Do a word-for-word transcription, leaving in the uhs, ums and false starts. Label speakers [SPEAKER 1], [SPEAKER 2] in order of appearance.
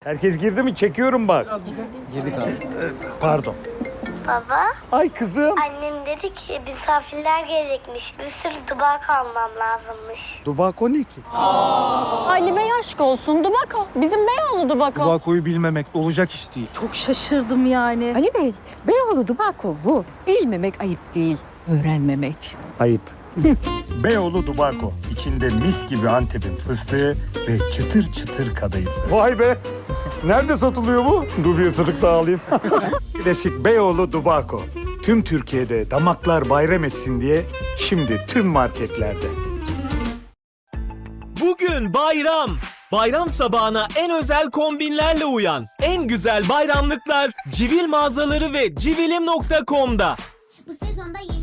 [SPEAKER 1] Herkes girdi mi? Çekiyorum bak.
[SPEAKER 2] Girdik abi.
[SPEAKER 1] Pardon.
[SPEAKER 3] Baba,
[SPEAKER 1] Ay kızım.
[SPEAKER 3] annem dedi ki misafirler gelecekmiş. Bir sürü dubak almam lazımmış.
[SPEAKER 1] Dubako ne ki?
[SPEAKER 4] Halime aşk olsun. Dubako. Bizim Beyoğlu Dubako.
[SPEAKER 2] Dubako'yu bilmemek olacak iş değil.
[SPEAKER 5] Çok şaşırdım yani.
[SPEAKER 6] Ali Bey, Beyoğlu Dubako bu. Bilmemek ayıp değil, öğrenmemek.
[SPEAKER 1] Ayıp. Beyoğlu Dubako. İçinde mis gibi Antep'in fıstığı ve çıtır çıtır kadayıfı. Vay be! Nerede satılıyor bu? Dur bir ısırık daha alayım. Klasik Beyoğlu Dubako. Tüm Türkiye'de damaklar bayram etsin diye şimdi tüm marketlerde.
[SPEAKER 7] Bugün bayram. Bayram sabahına en özel kombinlerle uyan. En güzel bayramlıklar Civil mağazaları ve civilim nokta com'da.
[SPEAKER 8] Bu sezonda